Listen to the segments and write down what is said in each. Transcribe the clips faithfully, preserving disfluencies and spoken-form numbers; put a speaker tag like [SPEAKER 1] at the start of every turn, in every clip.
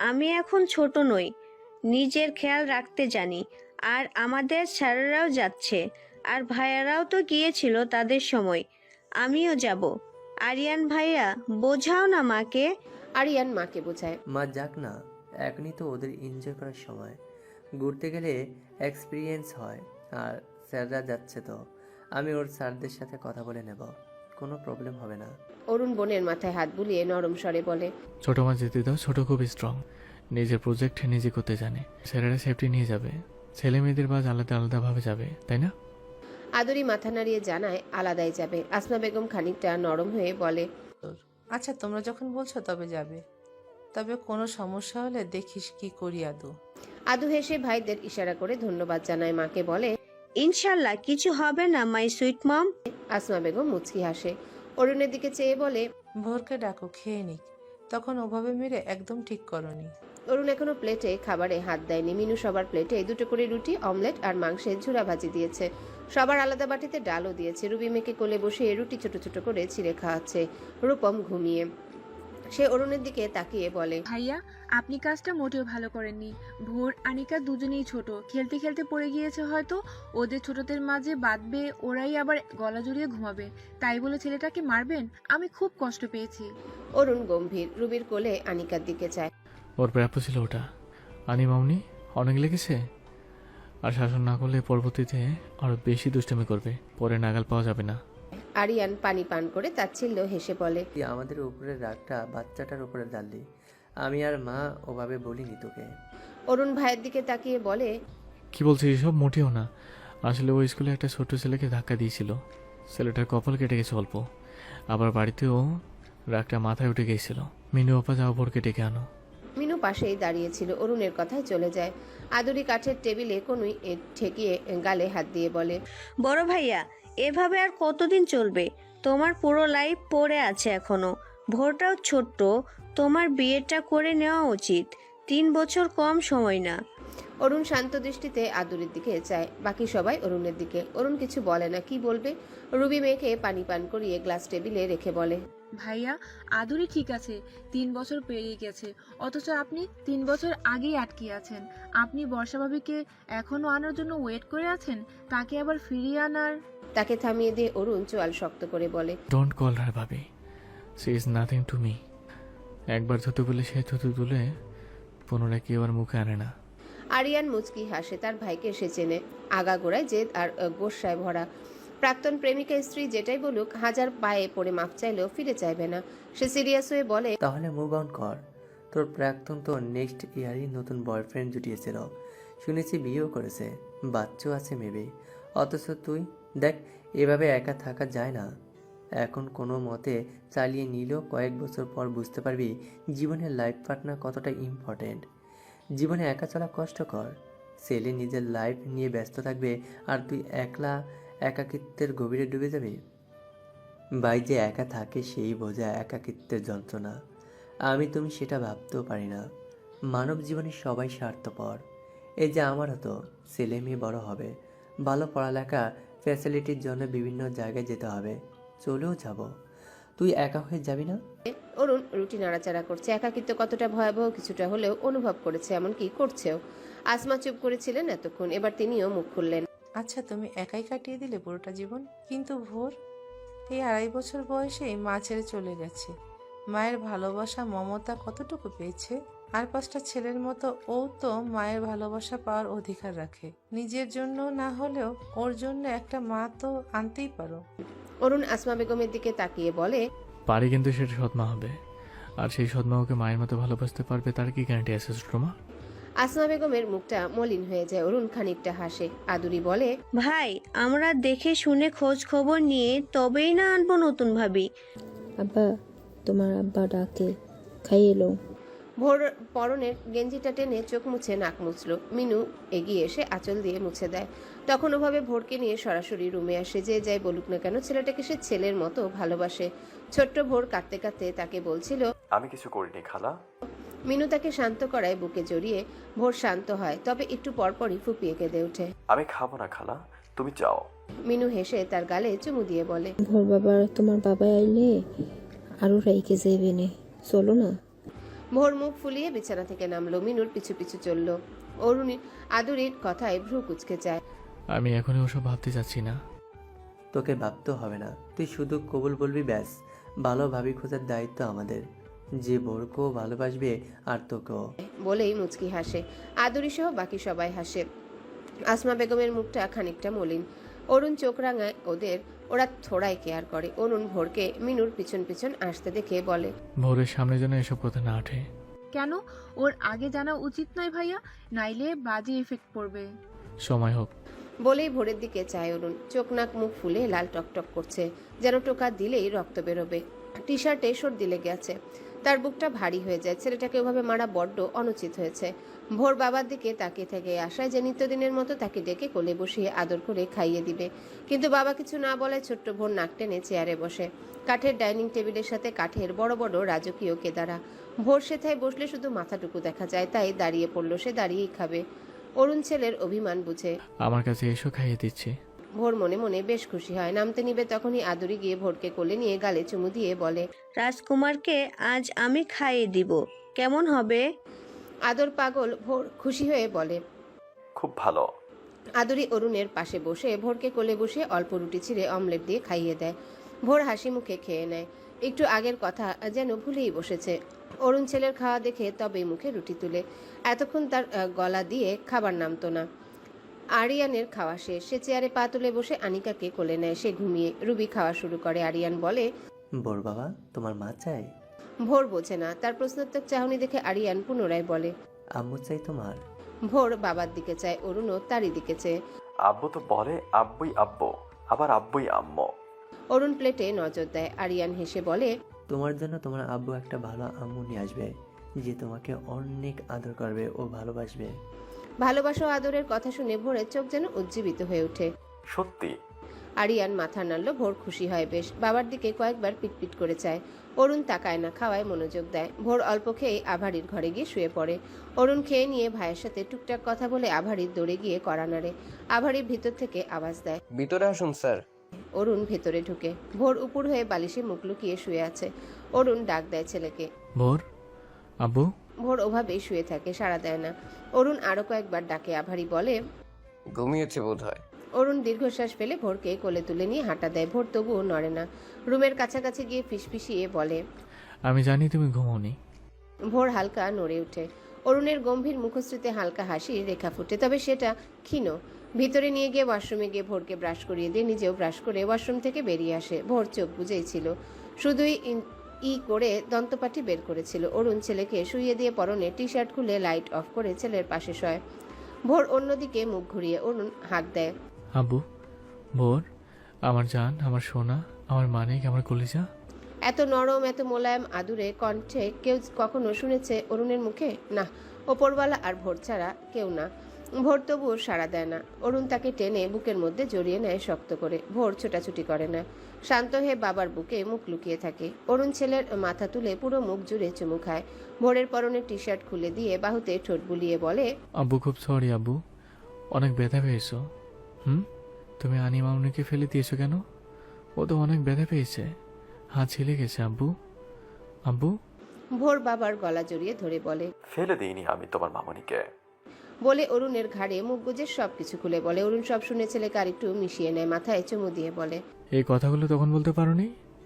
[SPEAKER 1] আমি এখন ছোট নই, নিজের খেয়াল রাখতে জানি। আর আমাদের স্যারেরাও যাচ্ছে, আর ভাইয়ারাও তো গিয়েছিল তাদের সময়, আমিও যাব। আরিয়ান ভাইয়া, বোঝাও না মাকে।
[SPEAKER 2] আরিয়ান মাকে বোঝায়।
[SPEAKER 3] মা যাক না, এখনই তো ওদের এনজয় করার সময়। ঘুরতে গেলে এক্সপিরিয়েন্স হয়। আর স্যাররা যাচ্ছে তো, আমি ওর স্যারদের সাথে কথা বলে নেব, কোনো প্রবলেম হবে না।
[SPEAKER 2] অরুণ বোনের মাথায় হাত বুলিয়ে নরম স্বরে বলে,
[SPEAKER 4] ছোট মা যেতে দাও, ছোট খুব স্ট্রং, নিজের প্রজেক্ট নিজে করতে জানে। স্যারেরা সেফটি নিয়ে যাবে, ছেলে মেয়েদের বাস আলাদা আলাদাভাবে যাবে, তাই না?
[SPEAKER 2] আদুরি মাথা নাড়িয়ে জানায় আলাদাই যাবে। আসমা বেগম খানিকটা নরম হয়ে বলে,
[SPEAKER 5] আচ্ছা তোমরা যখন বলছো তবে যাবে, তবে কোনো সমস্যা হলে দেখিস কি করি আদু।
[SPEAKER 2] আদু হেসে ভাইদের ইশারা করে ধন্যবাদ জানায়। মাকে বলে,
[SPEAKER 1] ইনশাল্লাহ কিছু হবে না my sweet mom.
[SPEAKER 2] Asma Begum মুচকি হাসে। অরুণের দিকে চেয়ে বলে,
[SPEAKER 5] ভোরকে ডাকো, খেয়ে নিক, তখন ওভাবে মেরে একদম ঠিক করনি।
[SPEAKER 2] অরুণ এখনো প্লেটে খাবারে হাত দেয়নি। মিনু সবার প্লেটে দুটো করে রুটি, অমলেট আর মাংসের ঝুরা ভাজি দিয়েছে। সবার আলাদা বাটিতে ডালও দিয়েছে। রুবি মেয়েকে কোলে বসে রুটি ছোট ছোট করে ছিঁড়ে খাওয়াচ্ছে। রূপম ঘুমিয়ে। সে অরুণের দিকে তাকিয়ে বলে,
[SPEAKER 6] ভাইয়া, আপনি কাজটা মোটেও ভালো করেননি। ভোর আনিকা দুজনেই ছোট, খেলতে খেলতে পড়ে গিয়েছে হয়তো। ওদের ছোটদের মাঝে বাঁধবে, ওরাই আবার গলা জড়িয়ে ঘুমাবে, তাই বলে ছেলেটাকে মারবেন? আমি খুব কষ্ট পেয়েছি।
[SPEAKER 2] অরুণ গম্ভীর। রুবির কোলে আনিকার দিকে চায়।
[SPEAKER 4] ওর প্রাপ্য ছিল ওটা। আনি মামনি, অনেক লেগেছে। আর শাসন না করলে পরবর্তীতে আরো বেশি দুষ্টামি করবে, পরে নাগাল পাওয়া যাবে না।
[SPEAKER 2] আরিয়ান পানি পান করে তাচ্ছিল্য হেসে বলে,
[SPEAKER 3] তুই আমাদের উপরের রাগটা বাচ্চাটার উপরে ডাললি। আমি আর মা ওভাবে বলিনি তোকে।
[SPEAKER 2] অরুণ ভাইয়ের দিকে তাকিয়ে বলে,
[SPEAKER 4] কি বলছিস এসব? মোটেও না। আসলে ওই স্কুলে একটা ছোট্ট ছেলেকে ধাক্কা দিয়েছিল, ছেলেটার কপাল কেটে গেছে অল্প। আবার বাড়িতেও রাগটা মাথায় উঠে গিয়েছিল। মিনু আপা, যাও ভোরকে ডেকে আনো।
[SPEAKER 2] মিনু পাশেই দাঁড়িয়েছিল। অরুণের কথায় চলে যায়। আদুরি কাঠের টেবিলে কোনুই ঠেকিয়ে গালে হাত দিয়ে বলে,
[SPEAKER 1] বড় ভাইয়া, এভাবে আর কতদিন চলবে? তোমার পুরো লাইফ পড়ে আছে এখনো। ভোরটাও ছোট্ট, তোমার বিয়েটা করে নেওয়া উচিত। তিন বছর কম সময় না।
[SPEAKER 2] অরুণ শান্ত দৃষ্টিতে আদুরির দিকে চায়। বাকি সবাই অরুণের দিকে। অরুণ কিছু বলে না, কি বলবে। রুবি মেয়েকে পানি পান করিয়ে গ্লাস টেবিলে রেখে বলে,
[SPEAKER 6] ভাইয়া, আদুরি ঠিক আছে, তিন বছর পেরিয়ে গেছে, অথচ আপনি তিন বছর আগেই আটকে আছেন। আপনি বর্ষা ভাবিকে এখনো আনার জন্য ওয়েট করে আছেন, তাকে আবার ফিরিয়ে আনার।
[SPEAKER 2] তাকে থামিয়ে দিয়ে অরুণ চোয়াল শক্ত করে বলে,
[SPEAKER 4] ডোন্ট কল হার ভাবি, she is nothing to me. একবার থুতু বলে সে থুতু তুলে পুনরায় কেউ আর মুখে আনে না।
[SPEAKER 2] আরিয়ান মুচকি হাসে। তার ভাইকে সে চেনে। আগাগোড়ায় জেদ আর গোস্বায় ভরা। প্রাক্তন প্রেমিকা স্ত্রী যেটাই বলুক, হাজার পায়ে পড়ে মাপ চাইলেও ফিরে চাইবে না। সে সিরিয়াস হয়ে বলে,
[SPEAKER 3] তাহলে মুভ অন কর। তোর প্রাক্তন তো নেক্সট ইয়ারই নতুন বয়ফ্রেন্ড জুটিয়েছিল, শুনেছি বিয়েও করেছে, বাচ্চাও আছে মেবি। অথচ তুই দেখ, এভাবে একা থাকা যায় না। এখন কোনো মতে চালিয়ে নিলেও কয়েক বছর পর বুঝতে পারবি জীবনের লাইফ পার্টনার কতটা ইম্পর্টেন্ট। জীবনে একা চলা কষ্টকর। ছেলে নিজের লাইফ নিয়ে ব্যস্ত থাকবে আর তুই একলা একাকিত্বের গভীরে ডুবে যাবি। ভাই যে একা থাকে সেই বোঝা একাকিত্বের যন্ত্রণা। আমি তুমি সেটা ভাবতেও পারি না। মানব জীবনে সবাই স্বার্থপর। এই যে আমারও তো ছেলে মেয়ে বড় হবে, ভালো পড়ালেখা ফ্যাসিলিটির জন্য বিভিন্ন জায়গায় যেতে হবে, চলেও যাব। তুই একা হয়ে যাবি না?
[SPEAKER 2] অরুণ রুটি নাড়াচাড়া করছে। একাকিত্ব কতটা ভয়াবহ কিছুটা হলেও অনুভব করেছে, এমনকি করছেও। আসমা চুপ করেছিলেন এতক্ষণ, এবার তিনিও মুখ খুললেন।
[SPEAKER 5] আচ্ছা তুমি একাই কাটিয়ে দিলে পুরোটা জীবন, কিন্তু ভোর এই আড়াই বছর বয়সেই মা ছেড়ে চলে গেছে। মায়ের ভালোবাসা মমতা কতটুকু পেয়েছে? আর পাঁচটা ছেলের মতো ও তো মায়ের ভালোবাসা পাওয়ার অধিকার রাখে। নিজের জন্য না হলেও ওর জন্য একটা মা তো আনতেই পারো।
[SPEAKER 2] অরুণ আসমা বেগমের দিকে তাকিয়ে বলে,
[SPEAKER 4] পারি, কিন্তু সেটা সৎমা হবে। আর সেই সৎমা ওকে মায়ের মতো ভালোবাসতে পারবে তার কি গ্যারান্টি আছে ছোট মা?
[SPEAKER 2] আসমা বেগমের মুখটা মলিন হয়ে যায়। অরুণ খানিকটা হাসে। আদুরি বলে,
[SPEAKER 1] ভাই, আমরা দেখে শুনে খোঁজ খবর নিয়ে তবেই না আনবো নতুন ভাবি।
[SPEAKER 7] আব্বা, তোমার আব্বা ডাকে, খাইয়ে লো।
[SPEAKER 2] ভোর পরনের গেঞ্জিটা টেনে চোখ মুছে নাক মুছল। মিনু এগিয়ে এসে আঁচল দিয়ে মুছে দেয়। তখন ওভাবে ভোরকে নিয়ে সরাসরি রুমে আসে। যে যাই বলুক না কেন, ছেলেটাকে সে ছেলের মতো ভালোবাসে। ছোট্ট ভোর কাঁদতে কাঁদতে তাকে বলছিল,
[SPEAKER 8] আমি কিছু করিনি খালা।
[SPEAKER 2] মিনু তাকে শান্ত করায় বুকে জড়িয়ে। ভোর শান্ত হয়, তবে একটু পরপরই ফুপিয়ে কেঁদে ওঠে।
[SPEAKER 8] আমি খাবো না খালা, তুমি যাও।
[SPEAKER 2] মিনু হেসে তার গালে চুমু দিয়ে বলে,
[SPEAKER 7] ভোর বাবার তোমার বাবা আইলে আরো রাইকে যাইবে নে, চলো না।
[SPEAKER 2] ভোর মুখ ফুলিয়ে বিছানা থেকে নামলো, মিনুর পিছু পিছু চলল। অরুণী আদুরির কথায় ভ্রু কুচকে যায়।
[SPEAKER 4] আমি এখনই ওসব ভাবতে চাচ্ছি না।
[SPEAKER 3] তোকে ভাবতেও হবে না, তুই শুধু কবুল বলবি ব্যাস। ভালো ভাবি খোঁজার দায়িত্ব আমাদের, যে বোরকেও ভালোবাসবে আর তোকেও।
[SPEAKER 2] বলেই মুচকি হাসে। আদুরি সহ বাকি সবাই হাসে। আসমা বেগমের মুখটা খানিকটা মলিন। অরুণ চোখ রাঙায় ওদের, ওরা থোড়াই কেয়ার করে। অরুণ ভোরকে মিনুর পিছন পিছন আসতে দেখে বলে,
[SPEAKER 4] ভোরের সামনে যেন এসব কথা না ওঠে।
[SPEAKER 6] কেন? ওর আগে জানা উচিত নয় ভাইয়া, নাইলে বাজে এফেক্ট পড়বে।
[SPEAKER 4] সময় হোক।
[SPEAKER 2] বলেই ভোরের দিকে চায় অরুণ। চোখ নাক মুখ ফুলে লাল টকটক করছে, যেন টোকা দিলেই রক্ত বেরোবে। টি শার্টে সর্দি লেগে আছে, তার বুকটা ভারী হয়ে যায়। ছেলেটাকে ওভাবে মারা বড্ড অনুচিত হয়েছে। ভোর বাবার দিকে তাকিয়ে থেকে আশায় যে নিত্যদিনের মতো তাকে ডেকে কোলে বসিয়ে আদর করে খাইয়ে দিবে, কিন্তু বাবা কিছু না বলায় ছোট্ট ভোর নাক টেনে চেয়ারে বসে। কাঠের ডাইনিং টেবিলের সাথে কাঠের বড় বড় রাজকীয় কেদারা। ভোর সেথায় বসলে শুধু মাথাটুকু দেখা যায়, তাই দাঁড়িয়ে পড়লো। সে দাঁড়িয়েই খাবে। অরুণ ছেলের অভিমান বুঝে
[SPEAKER 4] আমার কাছে এসো, খাইয়ে দিচ্ছি।
[SPEAKER 2] ভোর মনে মনে বেশ খুশি হয়। নামতে নিবে তখনই আদুরি গিয়ে ভোরকে কোলে নিয়ে গালে চুমু দিয়ে বলে,
[SPEAKER 1] রাজকুমারকে আজ আমি খাইয়ে দিব, কেমন হবে?
[SPEAKER 2] আদর পাগল ভোর খুশি হয়ে বলে।
[SPEAKER 8] খুব ভালো।
[SPEAKER 2] আদুরি অরুণের পাশে বসে ভোরকে কোলে বসে অল্প রুটি ছিঁড়ে অমলেট দিয়ে খাইয়ে দেয়। ভোর হাসি মুখে খেয়ে নেয়। একটু আগের কথা যেন ভুলেই বসেছে। অরুণ ছেলের খাওয়া দেখে তবেই মুখে রুটি তুলে। এতক্ষণ তার আহ, গলা দিয়ে খাবার নামতো না। আরিয়ানের খাওয়া শেষ। সে চেয়ারে পা তুলে বসে আনিকাকে কোলে নেয়। সে ঘুমিয়ে। রুবি খাওয়া শুরু করে। আরিয়ান বলে,
[SPEAKER 3] বোর বাবা, তোমার মা চাই?
[SPEAKER 2] ভোর বোঝে না। তার প্রশ্নোত্তর চাহনি দেখে আরিয়ান পুনরায় বলে,
[SPEAKER 3] আম্মু চাই তোমার?
[SPEAKER 2] ভোর বাবার দিকে চায়, অরুণও তারই দিকে চেয়ে।
[SPEAKER 8] আব্বু তো বলে আব্বুই আব্বু, আবার আব্বুই আম্মু।
[SPEAKER 2] অরুণ প্লেটে নজর দেয়। আরিয়ান হেসে বলে,
[SPEAKER 3] তোমার জন্য তোমার আব্বু একটা ভালো আম্মু নিয়ে আসবে, যে তোমাকে অনেক আদর করবে ও ভালোবাসবে।
[SPEAKER 2] ভালোবাসা ও আদরের কথা শুনে ভোরের চোখ যেন উজ্জীবিত হয়ে ওঠে।
[SPEAKER 8] সত্যি?
[SPEAKER 2] আরিয়ান মাথা নাড়ল। ভোর খুশি হয় বেশ। বাবার দিকে কয়েকবার পিটপিট করে চায়। অরুণ তাকায় না, খাওয়ায় মনোযোগ দেয়। ভোর অল্প খেয়ে আভারির ঘরে গিয়ে শুয়ে পড়ে। অরুণ খেয়ে নিয়ে ভাইয়ের সাথে টুকটাক কথা বলে আভারির দৌড়ে গিয়ে কড়া নাড়ে। আভারির ভিতর থেকে আওয়াজ দেয়,
[SPEAKER 9] ভিতরে আসুন স্যার।
[SPEAKER 2] অরুণ ভেতরে ঢুকে। ভোর উপর হয়ে বালিশে মুখ লুকিয়ে শুয়ে আছে। অরুণ ডাক দেয় ছেলেকে।
[SPEAKER 4] ভোর, আব্বু।
[SPEAKER 2] ভোর ওভাবেই শুয়ে থাকে, সাড়া দেয় না। অরুণ আরো কয়েকবার ডাকে। আভারি বলে,
[SPEAKER 9] ঘুমিয়েছে বোধ হয়।
[SPEAKER 2] অরুণ দীর্ঘশ্বাস ফেলে ভোরকে কোলে তুলে নিয়ে হাঁটা দেয়। ভোর তবুও নড়ে না। রুমের কাছাকাছি গিয়ে ফিসফিসিয়ে বলে,
[SPEAKER 4] আমি জানি তুমি ঘুমোনি।
[SPEAKER 2] ভোর হালকা নড়ে ওঠে। অরুণের গম্ভীর মুখশ্রীতে হালকা হাসির রেখা ফুটে, তবে সেটা ক্ষীণ। ভিতরে নিয়ে গিয়ে ওয়াশরুমে গিয়ে ভোরকে ব্রাশ করিয়ে দিয়ে নিজেও ব্রাশ করে ওয়াশরুম থেকে বেরিয়ে আসে। ভোর চোখ বুজেই ছিল, শুধুই ই করে দন্তপাটি বের করেছিল। অরুণ ছেলেকে শুইয়ে দিয়ে পরনে টি শার্ট খুলে লাইট অফ করে ছেলের পাশে শয়। ভোর অন্যদিকে মুখ ঘুরিয়ে অরুণ হাঁক দেয়,
[SPEAKER 4] আব্বু। ভোর, আমার জান, আমার সোনা, আমার মানিক, আমার কলিজা।
[SPEAKER 2] এত নরম এত মোলায়েম আদুরে কণ্ঠে কেউ কখনো শুনেছে অরুণের মুখে? না, ওপরওয়ালা আর ভোর ছাড়া কেউ না। ভোর তবুও সাড়া দেয় না। অরুণ তাকে টেনে বুকের মধ্যে জড়িয়ে নেয় শক্ত করে। ভোর ছোটাছুটি করে না, শান্ত হয়ে বাবার বুকে মুখ লুকিয়ে থাকে। অরুণ ছেলের মাথা তুলে পুরো মুখ জুড়ে চুমু খায়। ভোরের পরনে টি শার্ট খুলে দিয়ে বাহুতে ঠোঁট বুলিয়ে বলে,
[SPEAKER 4] আব্বু খুব সরি আব্বু, অনেক ব্যথা পেয়েছো। হুম, তুমি আনি মামুনিকে ফেলে দিয়েছো কেন? ও তো অনেক ব্যথা পেয়েছে, হাত ছিলে গেছে আব্বু। আব্বু।
[SPEAKER 2] ভোর বাবার গলা জড়িয়ে ধরে বলে,
[SPEAKER 8] ফেলে দিইনি আমি তোমার মামনিকে।
[SPEAKER 2] বলে অরুণের ঘাড়ে মুখ গুজে সবকিছু খুলে বলে। অরুণ সব শুনে ছেলেকে আরেকটু মিশিয়ে নেয়, মাথায় চুমু দিয়ে বলে,
[SPEAKER 4] এই কথাগুলো তখন বলতে পারোনি,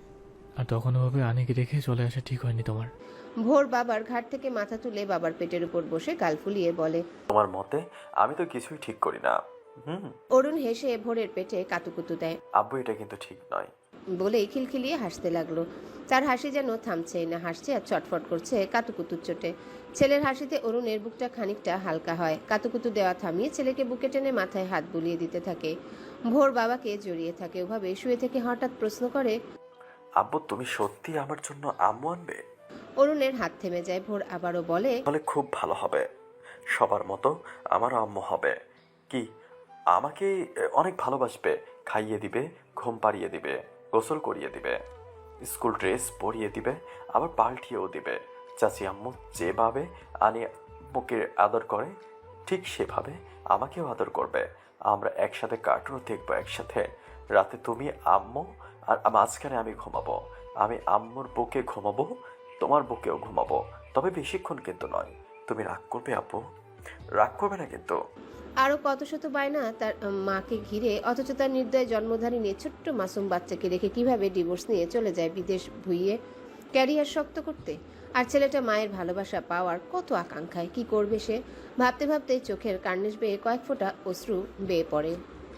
[SPEAKER 4] আর তখন ওভাবে আনিকে রেখে চলে আসা ঠিক হয়নি তোমার।
[SPEAKER 2] ভোর বাবার ঘাট থেকে মাথা তুলে বাবার পেটের উপর বসে গাল ফুলিয়ে বলে,
[SPEAKER 8] তোমার মতে আমি তো কিছুই ঠিক করি না। হুম।
[SPEAKER 2] অরুণ হেসে ভোরের পেটে কাতুকুতু দেয়।
[SPEAKER 8] আব্বু, এটা কিন্তু ঠিক নয়।
[SPEAKER 2] বলেই খিলখিলিয়ে হাসতে লাগলো। তার হাসি যেন থামছেই না, হাসছে আর চটফট করছে কাতুকুতুর চোটে। ছেলের হাসিতে অরুণের বুকটা খানিকটা হালকা হয়। কাতুকুতু দেওয়া থামিয়ে ছেলেকে বুকে টেনে মাথায় হাত বুলিয়ে দিতে থাকে। ভোর বাবাকে জড়িয়ে থাকে। ওভাবে শুয়ে থেকে হঠাৎ প্রশ্ন করে,
[SPEAKER 8] আব্বু, তুমি সত্যি আমার জন্য আম্মু আনবে?
[SPEAKER 2] অরুণের হাত থেমে যায়। ভোর আবারও বলে,
[SPEAKER 8] তাহলে খুব ভালো হবে, সবার মতো আমারও আম্মু হবে। কি, আমাকে অনেক ভালোবাসবে, খাইয়ে দিবে, ঘুম পাড়িয়ে দিবে, গোসল করিয়ে দিবে, স্কুল ড্রেস পরিয়ে দিবে, আবার পাল্টিয়েও দিবে। চাচি আম্মু যেভাবে আনি আম্মুকে আদর করে ঠিক সেভাবে আমাকেও আদর করবে। আমরা একসাথে কার্টুনও দেখবো একসাথে। রাতে তুমি আম্মু আর মাঝখানে আমি ঘুমাবো। আমি আম্মুর বুকে ঘুমাবো, তোমার বুকেও ঘুমাবো। তবে বেশিক্ষণ কিন্তু নয়। তুমি রাগ করবে আপু? রাগ করবে না কিন্তু?
[SPEAKER 2] আরও কত শত বায়না তার মাকে ঘিরে, অথচ তার নির্দয় জন্মধারিণী ছোট্ট মাসুম বাচ্চাকে রেখে কিভাবে ডিভোর্স নিয়ে চলে যায় বিদেশ ভুইয়ে ক্যারিয়ার শক্ত করতে। আর ছেলেটা মায়ের ভালোবাসা পাওয়ার কত আকাঙ্ক্ষায়। কি করবে সে? ভাবতে ভাবতে চোখের কার্নিশ বেয়ে কয়েক ফোঁটা অশ্রু বেয়ে পড়ে।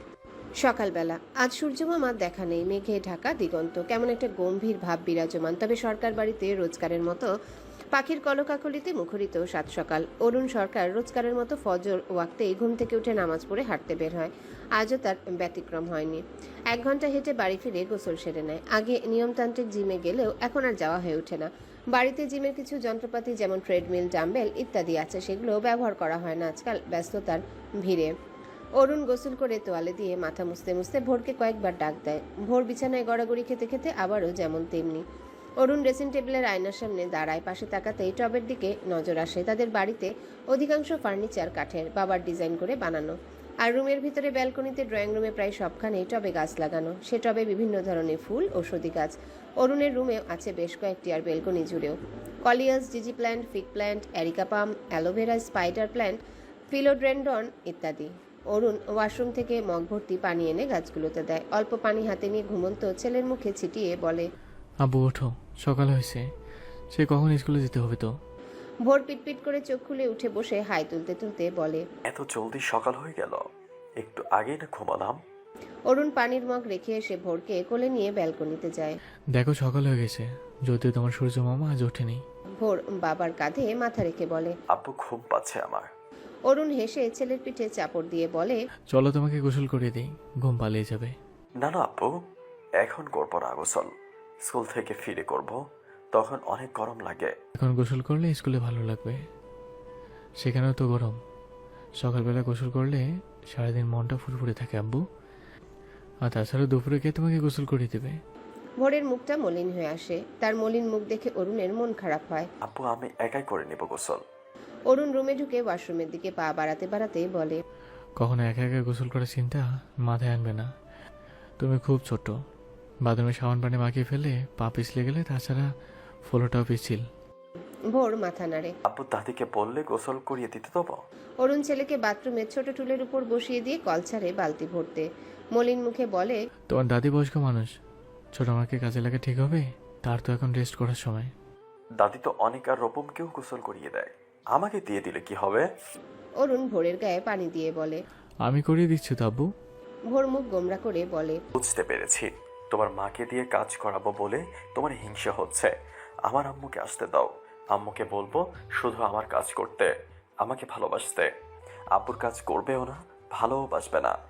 [SPEAKER 2] সকালবেলা আজ সূর্যমামার দেখা নেই। মেঘে ঢাকা দিগন্ত, কেমন একটা গম্ভীর ভাব বিরাজমান। তবে সরকার বাড়িতে রোজকারের মতো পাখির কলকাকলিতে মুখরিত সাত সকাল। অরুণ সরকার রোজকারের মতো ফজর ওয়াক্তেই ঘুম থেকে উঠে নামাজ পড়ে হাঁটতে বের হয়। আজও তার ব্যতিক্রম হয়নি। এক ঘন্টা হেঁটে বাড়ি ফিরে গোসল সেরে নেয়। আগে নিয়মতান্ত্রিক জিমে গেলেও এখন আর যাওয়া হয়ে ওঠে না। বাড়িতে জিমের কিছু যন্ত্রপাতি যেমন ট্রেডমিল, ডাম্বেল ইত্যাদি আছে, সেগুলো ব্যবহার করা হয় না আজকাল ব্যস্ততার ভিড়ে। অরুণ গোসল করে তোয়ালে দিয়ে মাথা মুছতে মুছতে ভোরকে কয়েকবার ডাক দেয়। ভোর বিছানায় গড়াগড়ি খেতে খেতে আবারও যেমন তেমনি। অরুণ ড্রেসিং টেবিলের আয়নার সামনে দাঁড়ায়। পাশে তাকাতেই টবের দিকে নজর আসে। তাদের বাড়িতে অধিকাংশ ফার্নিচার কাঠের, বাবার ডিজাইন করে বানানো। আর রুমের ভিতরে ব্যালকনিতে, ড্রয়িং রুমে প্রায় সবখানেই টবে গাছ লাগানো। সে টবে বিভিন্ন ধরনের ফুল, ঔষধি গাছ। অরুণের রুমেও আছে বেশ কয়েকটি, আর বেলকনি জুড়েও কলিয়াস, জিজি plant, fig plant, areca palm, aloe vera, spider plant, philodendron ইত্যাদি। অরুণ ওয়াশরুম থেকে মগ ভর্তি পানি এনে গাছগুলোতে দেয়। অল্প পানি হাতে নিয়ে ঘুমন্ত ছেলের মুখে ছিটিয়ে বলে,
[SPEAKER 4] আব্বু ওঠো, সকাল হয়েছে, সে কখন স্কুলে যেতে হবে তো।
[SPEAKER 2] ভোর পিটপিট করে চোখ খুলে উঠে বসে হাই তুলতে তুলতে বলে,
[SPEAKER 8] এত জলদি সকাল হয়ে গেল? একটু আগেই না ঘুমালাম।
[SPEAKER 2] অরুণ পানির মগ রেখে এসে ভোরকে কোলে নিয়ে ব্যালকনিতে যায়।
[SPEAKER 4] দেখো সকাল হয়ে গেছে, যদিও তোমার সূর্য মামা আজ ওঠেনি।
[SPEAKER 2] ভোর বাবার কাঁধে মাথা রেখে বলে।
[SPEAKER 8] আপু ঘুম পাচ্ছে আমার।
[SPEAKER 2] অরুণ হেসে ছেলের পিঠে চাপড় দিয়ে বলে,
[SPEAKER 4] চলো তোমাকে গোসল করে দিই, ঘুম পালিয়ে যাবে।
[SPEAKER 8] না না আপু, এখন করবো না গোসল। স্কুল থেকে ফিরে করব, তখন অনেক গরম লাগে।
[SPEAKER 4] এখন গোসল করলে স্কুলে ভালো লাগবে, সেখানেও তো গরম। সকালবেলা গোসল করলে সারাদিন মনটা ফুরফুরে থাকে আব্বু। আর তাছাড়া দুপুরে কে তোমাকে গোসল করে দেবে?
[SPEAKER 2] ভোরের মুখটা মলিন হয়ে আসে। তার মলিন মুখ দেখে অরুণের মন খারাপ হয়।
[SPEAKER 8] আপু আমি একাই করে নেব গোসল।
[SPEAKER 2] অরুণ রুমে ঢুকে ওয়াশরুমের দিকে পা বাড়াতে বাড়াতে বলে,
[SPEAKER 4] কখনো একা একা গোসল করার চিন্তা মাথায় আনবে না, তুমি খুব ছোট। বাথরুমে সাবান পানি মাখিয়ে ফেলে পা পিছলে গেলে, তাছাড়া ফলোটাও পিছিল।
[SPEAKER 2] ভোর মাথা নাড়ে।
[SPEAKER 8] আপু দাদিকে বললে গোসল করিয়ে দিতে দেবো।
[SPEAKER 2] অরুণ ছেলেকে বাথরুমের ছোট টুলের উপর বসিয়ে দিয়ে কল ছাড়ে বালতি ভরতে। মলিন মুখে বলে,
[SPEAKER 4] তোমার দাদি বয়স্ক মানুষ, ছোট আমাকে কাজে লাগা ঠিক হবে? তার তো এখন রেস্ট করার সময়।
[SPEAKER 8] দাদি তো অনেক আর রূপমকেও গোসল করিয়ে দেয়, আমাকে দিয়ে দিলে কি হবে?
[SPEAKER 2] অরুণ ভোরের গায়ে পানি দিয়ে বলে।
[SPEAKER 4] আমি করিয়ে দিচ্ছি তো আব্বু।
[SPEAKER 2] ভোর মুখ গোমরা করে বলে,
[SPEAKER 8] বুঝতে পেরেছি, তোমার মাকে দিয়ে কাজ করাবো বলে তোমার হিংসা হচ্ছে। আমার আম্মুকে আসতে দাও, আম্মুকে বলবো শুধু আমার কাজ করতে, আমাকে ভালোবাসতে। আব্বুর কাজ করবেও না, ভালোবাসবে না।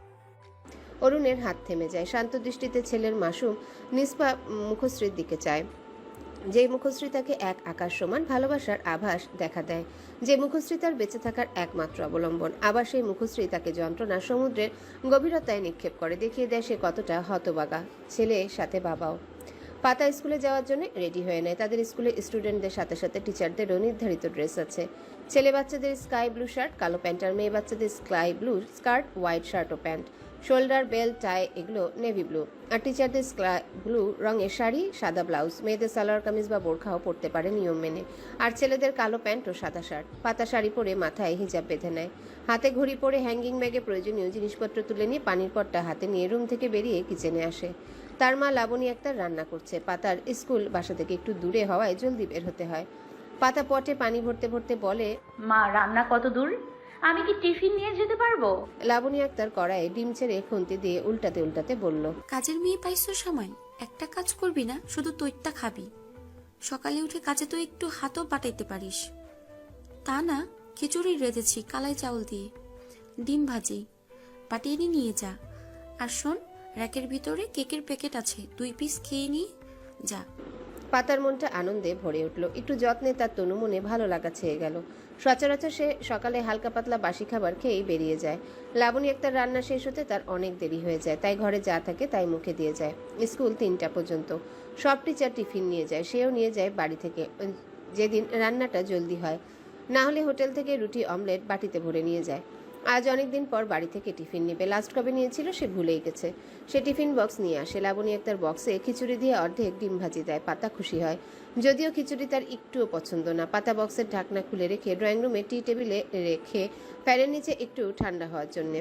[SPEAKER 2] অরুণের হাত থেমে যায়। শান্ত দৃষ্টিতে ছেলের মাসুম নিষ্পা মুখশ্রীর দিকে চায়। যে মুখশ্রী তাকে এক আকাশ সমান ভালোবাসার আভাস দেখা দেয়, যে মুখশ্রী তার বেঁচে থাকার একমাত্র অবলম্বন। আবার সেই মুখশ্রী তাকে যন্ত্রণার সমুদ্রের গভীরতায় নিক্ষেপ করে, দেখিয়ে দেয় সে কতটা হতবাগা। ছেলে সাথে বাবাও। পাতা স্কুলে যাওয়ার জন্য রেডি হয়ে নেয়। তাদের স্কুলে স্টুডেন্টদের সাথে সাথে টিচারদেরও নির্ধারিত ড্রেস আছে। ছেলে বাচ্চাদের স্কাই ব্লু শার্ট, কালো প্যান্ট, আর মেয়ে বাচ্চাদের sky blue skirt, white shirt ও প্যান্ট, শোল্ডার বেল্ট, টাই এগুলো নেভি ব্লু। আর টিচারদের স্কাই ব্লু রঙের শাড়ি, সাদা ব্লাউজ। মেয়েদের সালোয়ার কামিজ বা বোরখাও পরতে পারে নিয়ম মেনে। আর ছেলেদের কালো প্যান্ট ও সাদা শার্ট। পাতা শাড়ি পরে মাথায় হিজাব বেঁধে নেয়। হাতে ঘড়ি পরে হ্যাঙ্গিং ব্যাগে প্রয়োজনীয় জিনিসপত্র তুলে নিয়ে পানির পটটা হাতে নিয়ে রুম থেকে বেরিয়ে কিচেনে আসে। তার মা লাবণী আক্তার রান্না করছে। পাতার স্কুল বাসা থেকে একটু দূরে হওয়ায় জলদি বের হতে হয়। পাতা পটে পানি ভরতে ভরতে বলে,
[SPEAKER 10] মা রান্না কত দূর? আমি কি টিফিন নিয়ে যেতে পারবো?
[SPEAKER 2] লাবণী আক্তার কড়াইয়ে ডিম ছেড়ে খুন্তি দিয়ে উল্টাতে উল্টাতে বলল,
[SPEAKER 11] কাজের মেয়ে পাইছো সময়? একটা কাজ করবি না, শুধু তৈরটা খাবি। সকালে উঠে কাজে তো একটু হাতও পাঠাইতে পারিস। তা না, খিচুড়ি রেঁধেছি কালাই চাউল দিয়ে, ডিম ভাজি, পাঠিয়ে নিয়ে যা। আর শোন, র্যাকের ভিতরে কেকের প্যাকেট আছে, দুই পিস খেয়ে নিয়ে যা।
[SPEAKER 2] পাতার মনটা আনন্দে ভরে উঠল। একটু যত্নে তার তনু মনে ভালো লাগা ছেয়ে গেল। সচরাচর সে সকালে হালকা পাতলা বাসি খাবার খেয়েই বেরিয়ে যায়। লাবণী আক্তার রান্না শেষ হতে তার অনেক দেরি হয়ে যায়, তাই ঘরে যা থাকে তাই মুখে দিয়ে যায়। স্কুল তিনটা পর্যন্ত। সব টিচার টিফিন নিয়ে যায়, সেও নিয়ে যায় বাড়ি থেকে, যেদিন রান্নাটা জলদি হয়। না হলে হোটেল থেকে রুটি অমলেট বাটিতে ভরে নিয়ে যায়। আজ অনেকদিন পর বাড়ি থেকে টিফিন নেবে। লাস্ট কবে নিয়েছিল সে ভুলেই গেছে। সে টিফিন বক্স নিয়ে আসে। লাবণী একটার বক্সে খিচুড়ি দিয়ে অর্ধেক ডিম ভাজি দেয়। পাতা খুশি হয়, যদিও খিচুড়ি তার একটুও পছন্দ না। পাতা বক্সের ঢাকনা খুলে রেখে ড্রয়িং রুমে টি টেবিলে রেখে ফ্যানের নিচে একটু ঠান্ডা হওয়ার জন্যে,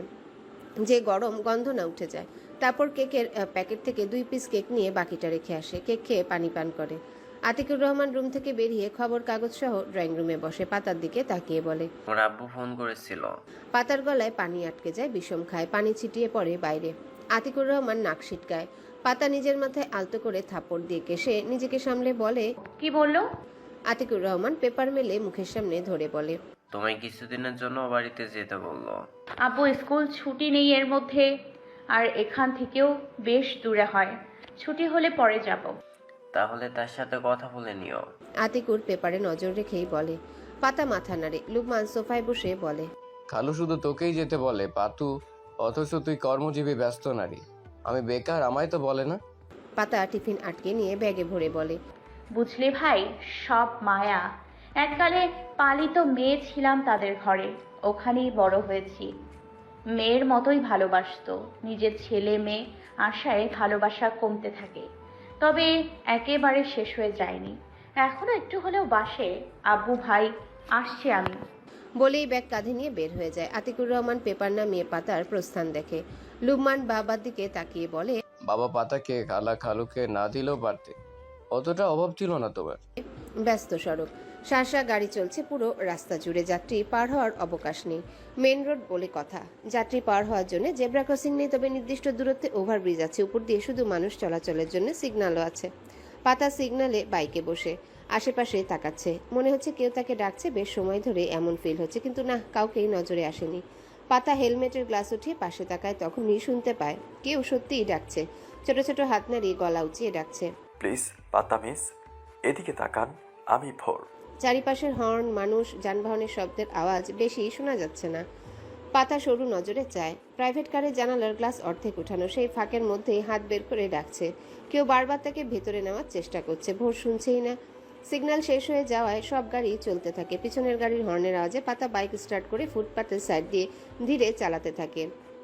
[SPEAKER 2] যে গরম গন্ধ না উঠে যায়। তারপর কেকের প্যাকেট থেকে দুই পিস কেক নিয়ে বাকিটা রেখে আসে। কেক খেয়ে পানি পান করে। আতিকুর রহমান রুম থেকে বেরিয়ে খবর কাগজ সহ ড্রয়িং রুমে বসে পাতার দিকে তাকিয়ে বলে।
[SPEAKER 9] ওর আব্বু ফোন করেছিল।
[SPEAKER 2] পাতার গলায় পানি আটকে যায়, বিষম খায়, পানি ছিটিয়ে পড়ে বাইরে। আতিকুর রহমান নাক সিটকায়। পাতা নিজের মাথায় আলতো করে থাপড় দিয়ে কেসে নিজেকে সামলে বলে,
[SPEAKER 10] কি বললো?
[SPEAKER 2] আতিকুর রহমান পেপার মেলে মুখের সামনে ধরে বলে,
[SPEAKER 9] তোমায় কিছুদিনের জন্য বাড়িতে যেতে বললো।
[SPEAKER 10] আব্বু স্কুল ছুটি নেই এর মধ্যে, আর এখান থেকেও বেশ দূরে হয়। ছুটি হলে পরে যাব।
[SPEAKER 9] তাহলে তার সাথে কথা বলে নিও।
[SPEAKER 2] আতিকুর পেপারে নজর রেখেই বলে। পাতা মাথা নাড়ে। লুকমান সোফায় বসে বলে,
[SPEAKER 9] খালু শুধু তোকেই যেতে বলে পাতু, অথচ তুই কর্মজীবী ব্যস্ত নারী। আমি বেকার, আমায় তো বলে না।
[SPEAKER 2] পাতা টিফিন আটকে নিয়ে ব্যাগে ভরে বলে,
[SPEAKER 10] বুঝলে ভাই, সব মায়া। এককালে পালিত মেয়ে ছিলাম তাদের ঘরে, ওখানেই বড় হয়েছি। মেয়ের মতোই ভালোবাসতো। নিজের ছেলে মেয়ে আশায় ভালোবাসা কমতে থাকে, তবে একেবারে শেষ হয়ে যায়নি। এখনো একটু হলেও বাসে। আব্বু ভাই, আসছি আমি।
[SPEAKER 2] বলেই ব্যাগ কাঁধে নিয়ে বের হয়ে যায়। আতিকুর রহমান পেপার নামিয়ে পাতার প্রস্থান দেখে। লুকমান বাবার দিকে তাকিয়ে বলে,
[SPEAKER 9] বাবা পাতাকে খালা খালুকে না দিলেও পারতে, অতটা অভাব ছিল না তোমার।
[SPEAKER 2] ব্যস্ত সড়ক, শাঁসা গাড়ি চলছে পুরো রাস্তা জুড়ে। যাত্রী পার হওয়ার অবকাশ নেই। মেন রোড বলে কথা। যাত্রী পার হওয়ার জন্য জেব্রা ক্রসিং নেই, তবে নির্দিষ্ট দূরত্বে ওভারব্রিজ আছে। উপর দিয়ে শুধু মানুষ চলাচলের জন্য সিগন্যালও আছে। পাতা সিগন্যালে বাইকে বসে আশেপাশে তাকাচ্ছে। মনে হচ্ছে কেউ তাকে ডাকছে। বেশ সময় ধরে এমন ফিল হচ্ছে, কিন্তু না, কাউকেই নজরে আসেনি। পাতা হেলমেটের গ্লাস উঠিয়ে পাশে তাকায়, তখনই শুনতে পায় কেউ সত্যিই ডাকছে। ছোট ছোট হাত নাড়িয়ে গলা উঁচিয়ে ডাকছে,
[SPEAKER 8] প্লিজ পাতা মিস, এদিকে তাকান, আমি ভোর।
[SPEAKER 2] চারিপাশের হর্ন, মানুষ, যানবাহনের শব্দের আওয়াজ বেশি শোনা যাচ্ছে না। পাতা সরু নজরে চায়। প্রাইভেট কারের জানালার গ্লাস অর্ধেক উঠানো, সেই ফাঁকের মধ্যেই হাত বের করে ডাকছে। কেউ বারবার তাকে ভেতরে নেওয়ার চেষ্টা করছে। ভোর শুনছেই না। সিগন্যাল শেষ হয়ে যাওয়ায় সব গাড়ি চলতে থাকে। পিছনের গাড়ির হর্নের আওয়াজে পাতা বাইক স্টার্ট করে ফুটপাতের সাইড দিয়ে ধীরে চালাতে থাকে।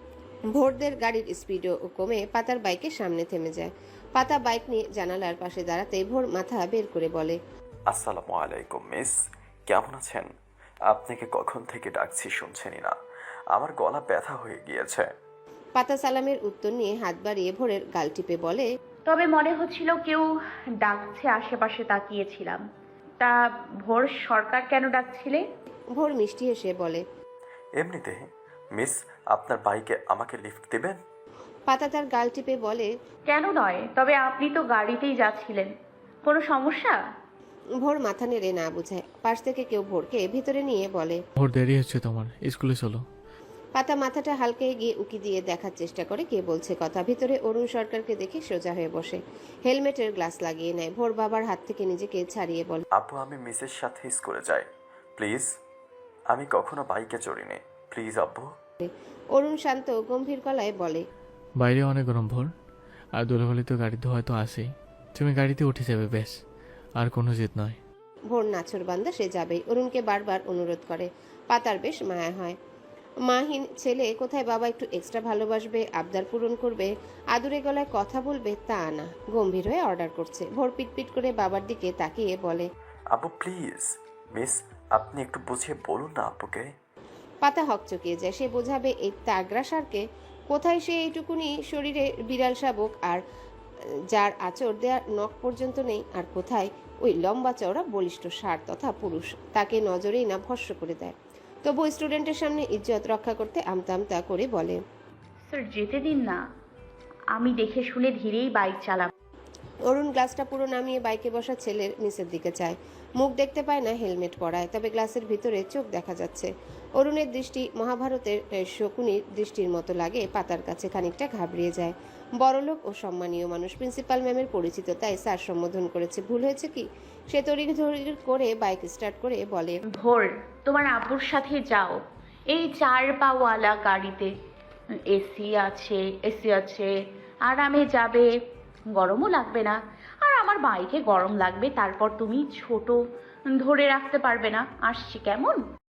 [SPEAKER 2] ভোরদের গাড়ির স্পিডও কমে পাতার বাইকের সামনে থেমে যায়। পাতা বাইক নিয়ে জানালার পাশে দাঁড়াতেই ভোর মাথা বের করে বলে,
[SPEAKER 8] আসসালামু আলাইকুম মিস, কেমন আছেন? আপনাকে কখন থেকে ডাকছি শুনছেনই না, আমার গলা ব্যথা হয়ে গিয়েছে।
[SPEAKER 2] পাতা সালামের উত্তর নিয়ে হাত বাড়িয়ে ভোরের গাল টিপে বলে,
[SPEAKER 10] তবে মনে হচ্ছিল কেউ ডাকছে, আশেপাশে তাকিয়েছিলাম। তা ভোর সরকার কেন ডাকছিলে?
[SPEAKER 2] ভোর মিষ্টি হেসে বলে,
[SPEAKER 8] এমনিতে মিস, আপনার বাইকে আমাকে লিফট দিবেন?
[SPEAKER 2] পাতা তার গাল টিপে বলে,
[SPEAKER 10] কেন নয়, তবে আপনি তো গাড়িতেই যাচ্ছিলেন, কোনো সমস্যা?
[SPEAKER 2] ভোর মাথা নেড়ে না বুঝায়। পাশ থেকে কেউ ভোরকে ভিতরে নিয়ে বলে,
[SPEAKER 4] ভোর দেরি হচ্ছে তোমার, স্কুলে চলো।
[SPEAKER 2] পাতা মাথাটা হালকা গিয়ে উকি দিয়ে দেখার চেষ্টা করে কে বলছে কথা। ভিতরে অরুণ সরকারকে দেখে সোজা হয়ে বসে, হেলমেটের গ্লাস লাগিয়ে নেয়। ভোর বাবার হাত থেকে নিজেকে ছাড়িয়ে বলে,
[SPEAKER 8] আপু, আমি মিসের সাথে স্কুলে যাই প্লিজ, আমি কখনো বাইকে চড়িনি, প্লিজ আব্বু।
[SPEAKER 2] অরুণ শান্ত গম্ভীর গলায় বলে,
[SPEAKER 4] বাইরে অনেক গরম ভোর, আর দোলাবালি তো গাড়িতে হয়তো আসেই, তুমি গাড়িতে উঠে যাবে ব্যাস, আর কোনো জেদ নয়।
[SPEAKER 2] ভোর নাছর বান্দা, সে যাবেই। অরুণকে বারবার অনুরোধ করে। পাতার বেশ মায়া হয়। মাহিন ছেলে, কোথায় বাবা একটু এক্সট্রা ভালোবাসবে, আবদার পূরণ করবে, আদুরে গলায় কথা বলবে, তা না, গম্ভীর হয়ে অর্ডার করছে। ভোর পিটপিট করে বাবার দিকে তাকিয়ে বলে,
[SPEAKER 8] আব্বু প্লিজ, মিস আপনি একটু বুঝিয়ে বলুন না আব্বুকে।
[SPEAKER 2] পাতা হকচকিয়ে যায়। সে বোঝাবে এই তাগরা সারকে? কোথায় সে এইটুকুনি শরীরে বিড়াল শাবক, আর যার আঁচড় দেওয়ার নখ পর্যন্ত নেই, আর কোথায় ওই লম্বা চওড়া বলিষ্ঠ ষাঁড় তথা পুরুষ। তাকে নজরেই না ভস্ম করে দেয়। তবু স্টুডেন্টের সামনে ইজ্জত রক্ষা করতে আমতা আমতা করে বলে,
[SPEAKER 10] স্যার যেতে দিন না, আমি দেখে শুনে ধীরেই বাইক চালাব।
[SPEAKER 2] অরুণ গ্লাসটা পুরো নামিয়ে বাইকে বসা ছেলের নিচের দিকে চায়। মুখ দেখতে পায় না হেলমেট পরায়, তবে গ্লাসের ভিতরে চোখ দেখা যাচ্ছে। অরুণের দৃষ্টি মহাভারতের শকুনির দৃষ্টির মতো লাগে পাতার কাছে। খানিকটা ঘাবড়িয়ে যায়। বড়লোক ও সম্মানীয় মানুষ, প্রিন্সিপাল ম্যামের পরিচিত, তাই স্যার সম্বোধন করেছে। ভুল হয়েছে কি? সে তড়িঘড়ি করে বাইক স্টার্ট করে বলে,
[SPEAKER 10] ভোর, তোমার আব্বুর সাথে যাও, এই চার পাওয়ালা গাড়িতে। এসি আছে, এসি আছে, আরামে যাবে, গরমও লাগবে না। আর আমার বাইকে গরম লাগবে, তারপর তুমি ছোট ধরে রাখতে পারবে না। আসছি, কেমন?